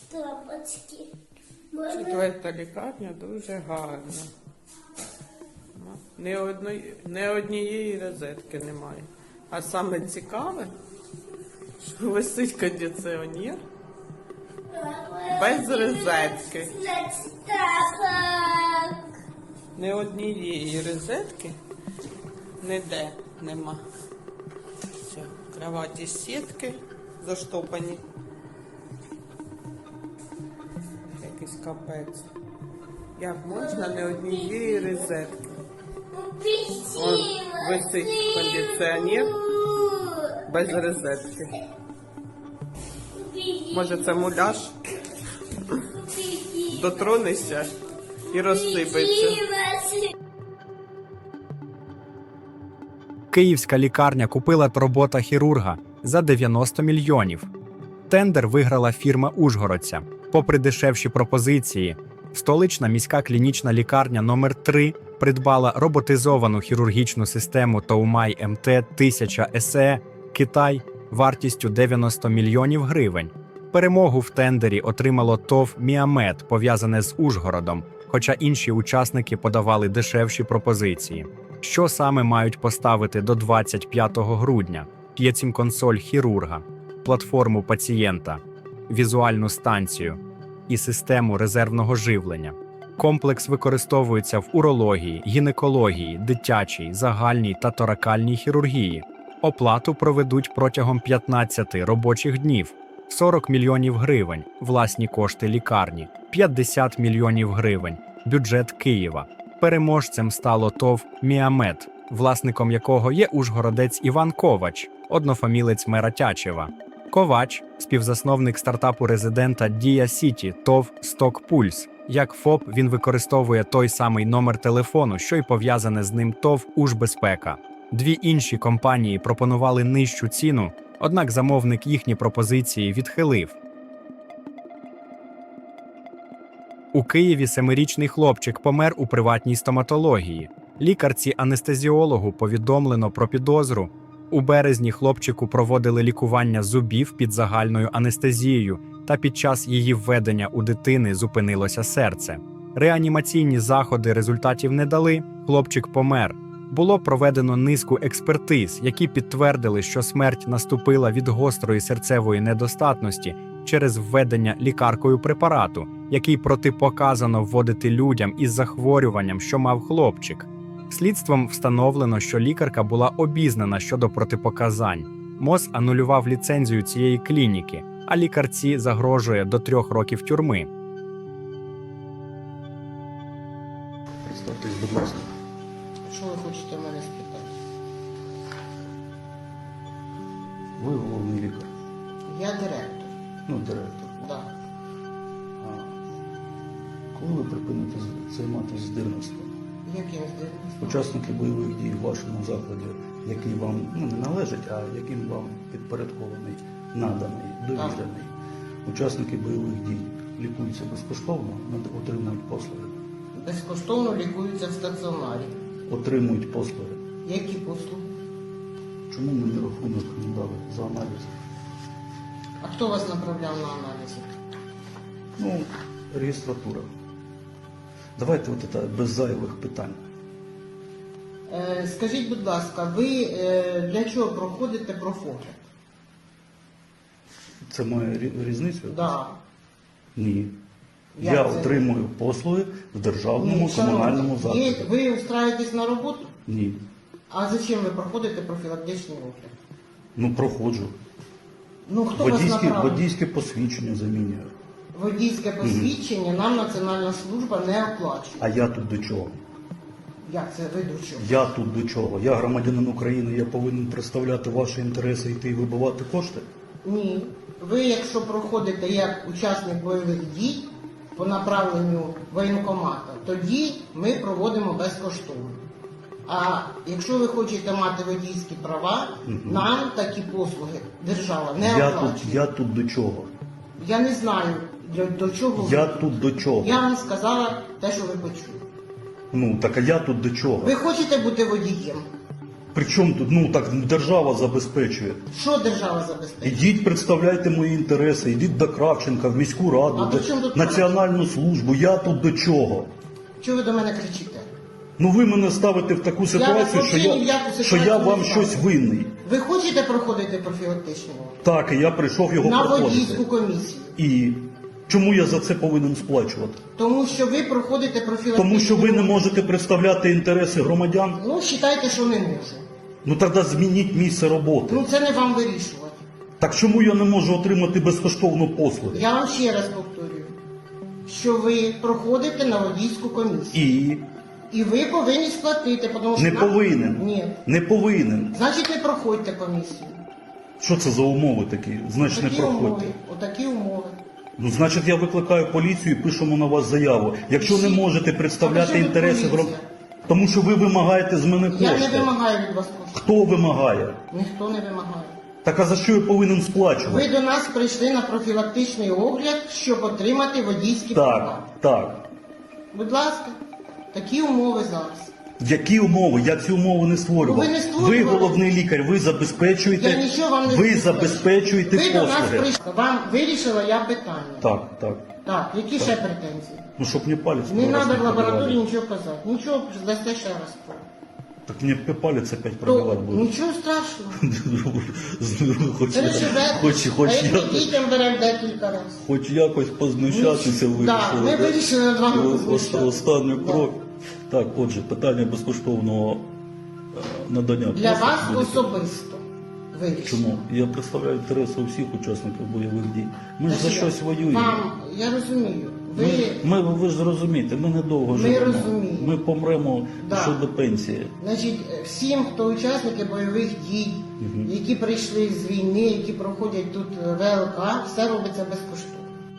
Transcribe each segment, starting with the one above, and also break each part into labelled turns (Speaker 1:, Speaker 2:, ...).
Speaker 1: Тапочки.
Speaker 2: Четверта лікарня дуже гарна. Ні однієї розетки немає. А саме цікаве, що висить кондиціонер без розетки. Ні однієї розетки ніде нема. Все, кроваті сітки заштопані. Якийсь капець. Як можна ні однієї розетки? Вон висить кондиціонер без розетки. Може це муляж? Дотронешся і розсипеться.
Speaker 3: Київська лікарня купила робота хірурга за 90 мільйонів. Тендер виграла фірма ужгородця. Попри дешевші пропозиції, столична міська клінічна лікарня номер 3 придбала роботизовану хірургічну систему Тоумай МТ-1000 СЕ Китай вартістю 90 мільйонів гривень. Перемогу в тендері отримало ТОВ «Міамед», пов'язане з Ужгородом, хоча інші учасники подавали дешевші пропозиції. Що саме мають поставити до 25 грудня? П'єцім-консоль хірурга, платформу пацієнта, візуальну станцію і систему резервного живлення. Комплекс використовується в урології, гінекології, дитячій, загальній та торакальній хірургії. Оплату проведуть протягом 15 робочих днів. 40 мільйонів гривень – власні кошти лікарні, 50 мільйонів гривень – бюджет Києва. Переможцем стало ТОВ «Міамед», власником якого є ужгородець Іван Ковач, однофамілець мера Тячева. Ковач – співзасновник стартапу резидента Дія Сіті ТОВ «Сток Пульс». Як ФОП він використовує той самий номер телефону, що й пов'язане з ним ТОВ «Ужбезпека». Дві інші компанії пропонували нижчу ціну, однак замовник їхні пропозиції відхилив. У Києві 7-річний хлопчик помер у приватній стоматології. Лікарці-анестезіологу повідомлено про підозру. У березні хлопчику проводили лікування зубів під загальною анестезією, та під час її введення у дитини зупинилося серце. Реанімаційні заходи результатів не дали, хлопчик помер. Було проведено низку експертиз, які підтвердили, що смерть наступила від гострої серцевої недостатності через введення лікаркою препарату, який протипоказано вводити людям із захворюванням, що мав хлопчик. Слідством встановлено, що лікарка була обізнана щодо протипоказань. МОЗ анулював ліцензію цієї клініки, а лікарці загрожує до 3 років тюрми.
Speaker 4: Представтесь, будь ласка.
Speaker 5: Що ви хочете в мене спитати?
Speaker 4: Ви головний лікар.
Speaker 5: Я директор.
Speaker 4: Ну, директор.
Speaker 5: Да.
Speaker 4: А коли ви припините займатися здирництвом?
Speaker 5: Яким здивом?
Speaker 4: Учасники бойових дій в вашому закладі, який вам не належить, а яким вам підпорядкований, наданий, довірений. Учасники бойових дій лікуються безкоштовно, отримують послуги.
Speaker 5: Безкоштовно лікуються в стаціонарі.
Speaker 4: Отримують послуги.
Speaker 5: Які послуги?
Speaker 4: Чому мені рахунок не дали за аналіз?
Speaker 5: А хто вас направляв на аналізи?
Speaker 4: Ну, реєстратура. Давайте от це без зайвих питань.
Speaker 5: Скажіть, будь ласка, ви для чого проходите профогляд?
Speaker 4: Це має різницю?
Speaker 5: Да.
Speaker 4: Ні.
Speaker 5: Як
Speaker 4: Я
Speaker 5: це?
Speaker 4: отримую послуги в державному
Speaker 5: шановні,
Speaker 4: комунальному закладі.
Speaker 5: Ви устраєтесь на роботу?
Speaker 4: Ні.
Speaker 5: А зачем ви проходите профілактичний огляд?
Speaker 4: Ну, проходжу.
Speaker 5: Ну, хто вас направив?
Speaker 4: Водійське посвідчення замінюю.
Speaker 5: Водійське посвідчення нам Національна служба не оплачує.
Speaker 4: А я тут до чого?
Speaker 5: Як це ви до чого?
Speaker 4: Я тут до чого? Я громадянин України, я повинен представляти ваші інтереси, йти і вибивати кошти?
Speaker 5: Ні. Ви, якщо проходите як учасник бойових дій по направленню воєнкомата, тоді ми проводимо безкоштовно. А якщо ви хочете мати водійські права, нам такі послуги держава не оплачує.
Speaker 4: Я тут до чого?
Speaker 5: Я не знаю, до чого
Speaker 4: Я
Speaker 5: ви.
Speaker 4: тут до чого?
Speaker 5: Я вам сказала те, що ви почули.
Speaker 4: Ну, так а я тут до чого?
Speaker 5: Ви хочете бути водієм?
Speaker 4: Причому тут, ну так, держава забезпечує.
Speaker 5: Що держава забезпечує?
Speaker 4: Ідіть, представляйте мої інтереси, ідіть до Кравченка, в міську раду,
Speaker 5: А до чому тут
Speaker 4: національну службу. Я тут до чого?
Speaker 5: Чого ви до мене кричите?
Speaker 4: Ну ви мене ставите в таку ситуацію,
Speaker 5: взагалі ні в яку
Speaker 4: що
Speaker 5: ситуацію
Speaker 4: я
Speaker 5: не
Speaker 4: вам
Speaker 5: ставлю.
Speaker 4: щось винний.
Speaker 5: Ви хочете проходити профілактичну?
Speaker 4: Так, і я прийшов його
Speaker 5: На
Speaker 4: проходити.
Speaker 5: водійську комісію.
Speaker 4: І чому я за це повинен сплачувати?
Speaker 5: Тому що ви проходите профілактичну.
Speaker 4: Тому що ви не можете представляти інтереси громадян?
Speaker 5: Ну, вважайте, що не можу.
Speaker 4: Ну тоді змініть місце роботи.
Speaker 5: Ну, це не вам вирішувати.
Speaker 4: Так чому я не можу отримати безкоштовну послугу?
Speaker 5: Я вам ще раз повторюю, що ви проходите на водійську комісію. І ви повинні сплатити, тому що...
Speaker 4: Не повинен.
Speaker 5: Ні.
Speaker 4: Не повинен.
Speaker 5: Значить, не проходьте комісію.
Speaker 4: Що це за умови такі? Значить, не
Speaker 5: Отакі умови.
Speaker 4: проходьте.
Speaker 5: Отакі умови.
Speaker 4: Ну, значить, я викликаю поліцію і пишемо на вас заяву. Якщо не можете представляти
Speaker 5: А при чому тут
Speaker 4: інтереси
Speaker 5: поліція?
Speaker 4: громадян, тому що ви вимагаєте з мене
Speaker 5: Я
Speaker 4: кошти.
Speaker 5: не вимагаю від вас коштів.
Speaker 4: Хто вимагає?
Speaker 5: Ніхто не вимагає.
Speaker 4: Так а за що я повинен
Speaker 5: Ви
Speaker 4: сплачувати?
Speaker 5: до нас прийшли на профілактичний огляд, щоб отримати водійські права.
Speaker 4: Так.
Speaker 5: Будь ласка, такі умови зараз.
Speaker 4: Які умови? Я ці умови не створював.
Speaker 5: Ну, ви не створювали.
Speaker 4: Ви головний лікар, ви забезпечуєте,
Speaker 5: Я нічого вам не
Speaker 4: ви
Speaker 5: забезпечую.
Speaker 4: забезпечуєте
Speaker 5: Ви до нас
Speaker 4: послуги.
Speaker 5: прийшли. Вам вирішила я питання.
Speaker 4: Так.
Speaker 5: Так, які ще претензії?
Speaker 4: Ну, щоб мені палець
Speaker 5: Не
Speaker 4: раз
Speaker 5: треба в лабораторії
Speaker 4: пробивали.
Speaker 5: нічого казати. Нічого, дасте ще раз.
Speaker 4: Так мені палець опять
Speaker 5: То,
Speaker 4: пробивати буде.
Speaker 5: нічого страшного.
Speaker 4: Хоч
Speaker 5: Переживете. А як
Speaker 4: якось.
Speaker 5: ми дітям беремо декілька разів.
Speaker 4: Хоч якось познущатися
Speaker 5: Ну, да,
Speaker 4: вирішили.
Speaker 5: ми
Speaker 4: да?
Speaker 5: вирішили над вами
Speaker 4: І
Speaker 5: познущатися.
Speaker 4: Останній
Speaker 5: Да.
Speaker 4: крок. Так, отже, питання безкоштовного надання.
Speaker 5: Для
Speaker 4: послуг
Speaker 5: вас
Speaker 4: буде.
Speaker 5: особисто вирішили.
Speaker 4: Чому? Я представляю інтереси усіх учасників бойових дій. Ми ж за
Speaker 5: Значить,
Speaker 4: щось воюємо.
Speaker 5: Вам, я розумію.
Speaker 4: Ви ж розумієте, ми недовго
Speaker 5: Ми
Speaker 4: живемо.
Speaker 5: розуміємо.
Speaker 4: Ми помремо
Speaker 5: Да.
Speaker 4: ще до пенсії.
Speaker 5: Значить, всім, хто учасники бойових дій, які прийшли з війни, які проходять тут ВЛК, все робиться безкоштовно.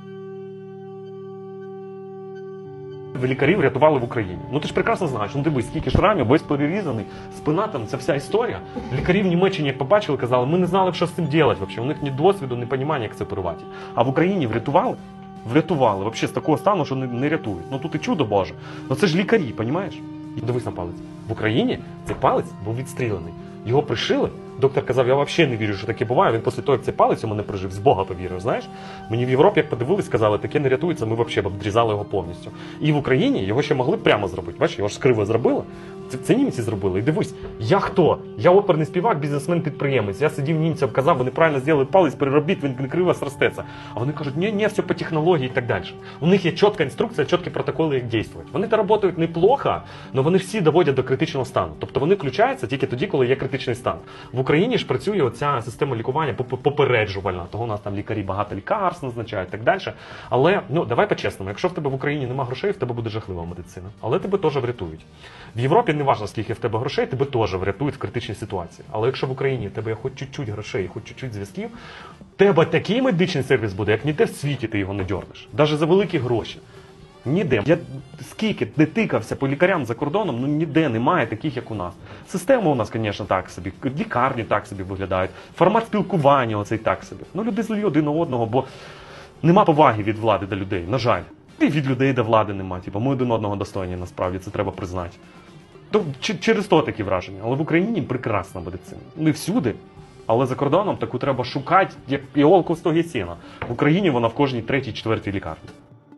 Speaker 1: Лікарів рятували в Україні. Ну ти ж прекрасно знаєш, ну дивись, скільки шрамів, весь перерізаний, спина там, ця вся історія. Лікарі в Німеччині, як побачили, казали, ми не знали, що з цим робити взагалі. У них ні досвіду, ні розуміння, як це оперувати. А в Україні врятували? Врятували. Взагалі з такого стану, що не рятують. Ну тут і чудо Боже. Ну це ж лікарі, розумієш? І дивись на палець. В Україні цей палець був відстріляний. Його пришили. Доктор казав, я взагалі не вірю, що таке буває. Він після того, як цей палець у мене прижив, з Бога повірив, знаєш? Мені в Європі, як подивились, сказали, таке не рятується, ми взагалі обрізали його повністю. І в Україні його ще могли прямо зробити. Бачиш, його ж криво зробили. Це німці зробили. І дивись, я хто? Я оперний співак, бізнесмен-підприємець. Я сидів німцям, казав, вони правильно зробили палець, переробіть, він криво зростеться. А вони кажуть, ні, все по технології і так далі. У них є чітка інструкція, чіткі протоколи, як діяти. Вони то працюють неплохо, але вони всі доводять до критичного стану. Тобто вони включаються тільки тоді, коли є критичний стан. В Україні ж працює оця система лікування попереджувальна. Того у нас там лікарі багато лікарств назначають і так далі. Але, ну, давай по-чесному, якщо в тебе в Україні нема грошей, в тебе буде жахлива медицина. Але тебе теж врятують. В Європі не важливо, скільки в тебе грошей, тебе теж врятують в критичній ситуації. Але якщо в Україні в тебе є хоч чуть-чуть грошей, хоч чуть-чуть зв'язків, в тебе такий медичний сервіс буде, як ніде в світі ти його не дьорнеш. Навіть за великі гроші. Ніде. Я скільки не тикався по лікарям за кордоном, ну ніде немає таких, як у нас. Система у нас, звісно, так собі, лікарні так собі виглядають, формат спілкування оцей так собі. Ну люди злі один на одного, бо нема поваги від влади до людей, на жаль. І від людей до влади нема. Типу, ми один одного достойні, насправді, це треба признати. То через то такі враження. Але в Україні прекрасна медицина. Не всюди. Але за кордоном таку треба шукати, як іголку в стогі сіна. В Україні вона в кожній третій, четвертій лікарні.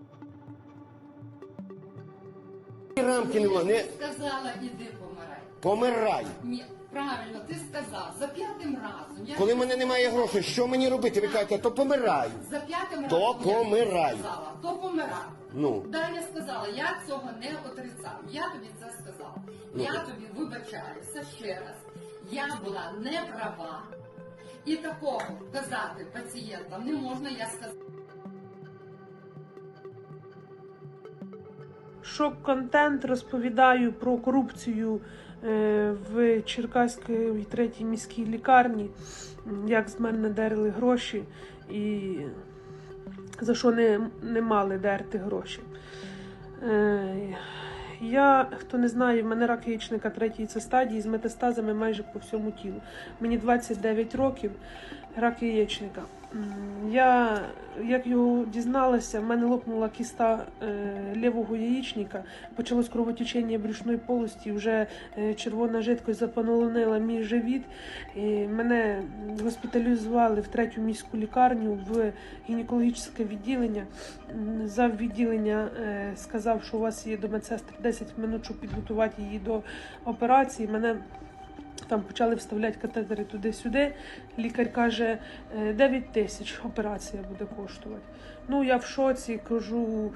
Speaker 6: Рамки нема, не
Speaker 7: Сказала, іди помирай.
Speaker 6: помирай.
Speaker 7: Ні, правильно, ти сказав. За п'ятим разом. Я
Speaker 6: Коли в мене немає грошей, що мені робити? Ви кажете, то помирай.
Speaker 7: за п'ятим
Speaker 6: То
Speaker 7: разом я
Speaker 6: помирай.
Speaker 7: сказала, то помирай.
Speaker 6: Ну.
Speaker 7: Далі сказала, я цього не отрицав. Я тобі це сказала. Я тобі вибачаюся ще раз. Я була не права. І такого казати пацієнтам не можна, я сказала.
Speaker 8: Шок-контент, розповідаю про корупцію в Черкаській 3-й міській лікарні, як з мене дерли гроші і за що не мали дерти гроші. Я, хто не знає, в мене рак яєчника 3-ї це стадії з метастазами майже по всьому тілу. Мені 29 років, рак яєчника. Я, як його дізналася, в мене лопнула кіста лівого яєчника, почалось кровотечення брюшної полості, вже червона жидкость заполонила мій живіт. І мене госпіталізували в 3-ю міську лікарню в гінекологічне відділення. Зав відділення сказав, що у вас є до медсестри 10 хвилин, щоб підготувати її до операції. Мене там почали вставляти катетери туди-сюди. Лікар каже, 9 тисяч операція буде коштувати. Ну, я в шоці, кажу,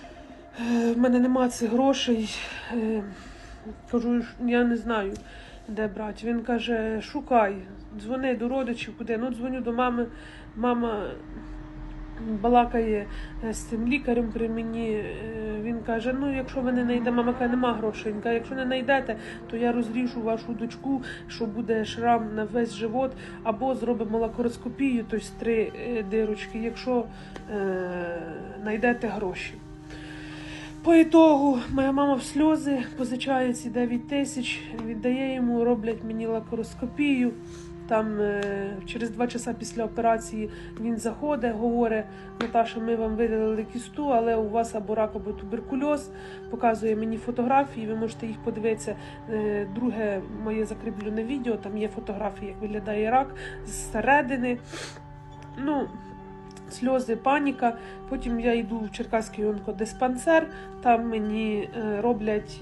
Speaker 8: в мене нема цих грошей. Кажу, я не знаю, де брати. Він каже, шукай, дзвони до родичів, куди. Ну, дзвоню до мами. Мама балакає з цим лікарем при мені. Він каже, ну, якщо ви не знайдете, мама каже, нема грошей. Він каже, якщо не знайдете, то я розріжу вашу дочку, що буде шрам на весь живот, або зробимо лапароскопію, тобто 3 дирочки, якщо знайдете гроші. По ітогу моя мама в сльози позичає ці 9 тисяч, віддає йому, роблять мені лапароскопію. Там через 2 часа після операції він заходить, говорить, Наташа, ми вам видалили кісту, але у вас або рак, або туберкульоз. Показує мені фотографії, ви можете їх подивитися. Друге моє закріплене відео, там є фотографії, як виглядає рак зсередини. Ну, сльози, паніка. Потім я йду в Черкаський онкодиспансер, там мені роблять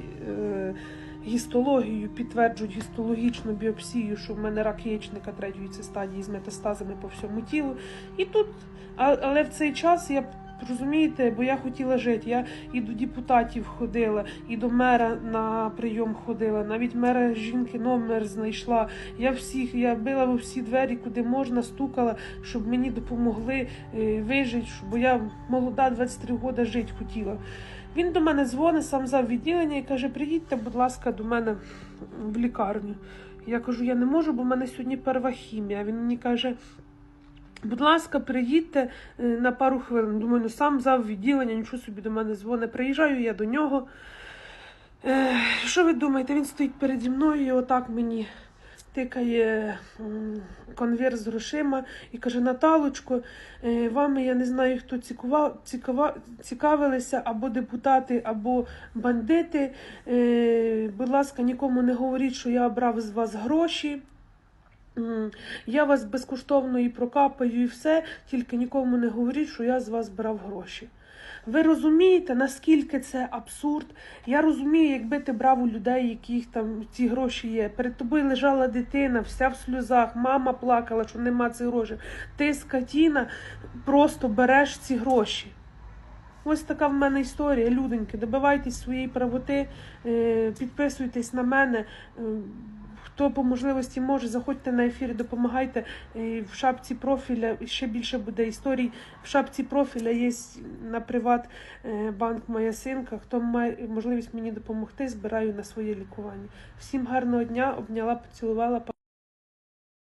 Speaker 8: гістологію, підтверджують гістологічну біопсію, що в мене рак яєчника 3-ї стадії з метастазами по всьому тілу. І тут, але в цей час я, розумієте, бо я хотіла жити. Я і до депутатів ходила, і до мера на прийом ходила, навіть мера жінки номер знайшла. Я била во всі двері, куди можна, стукала, щоб мені допомогли вижити, бо я молода, 23 роки жити хотіла. Він до мене дзвонить, сам зав відділення і каже, приїдьте, будь ласка, до мене в лікарню. Я кажу, я не можу, бо в мене сьогодні перша хімія. Він мені каже, будь ласка, приїдьте на пару хвилин. Думаю, ну сам зав відділення, нічого собі до мене дзвонить. Приїжджаю я до нього. Що ви думаєте, він стоїть переді мною і отак мені тикає конверт з грошима і каже, Наталочко, вами, я не знаю, хто цікавилися, або депутати, або бандити. Будь ласка, нікому не говоріть, що я брав з вас гроші. Я вас безкоштовно і прокапаю, і все, тільки нікому не говоріть, що я з вас брав гроші. Ви розумієте, наскільки це абсурд? Я розумію, якби ти брав у людей, яких там ці гроші є. Перед тобою лежала дитина, вся в сльозах, мама плакала, що нема цих грошей. Ти, скотіна, просто береш ці гроші. Ось така в мене історія, людоньки. Добивайтесь своєї правоти, підписуйтесь на мене. Хто по можливості може, заходьте на ефір, допомагайте. В шапці профіля ще більше буде історій. В шапці профіля є на Приватбанк моя синка. Хто має можливість мені допомогти, збираю на своє лікування. Всім гарного дня, обняла, поцілувала.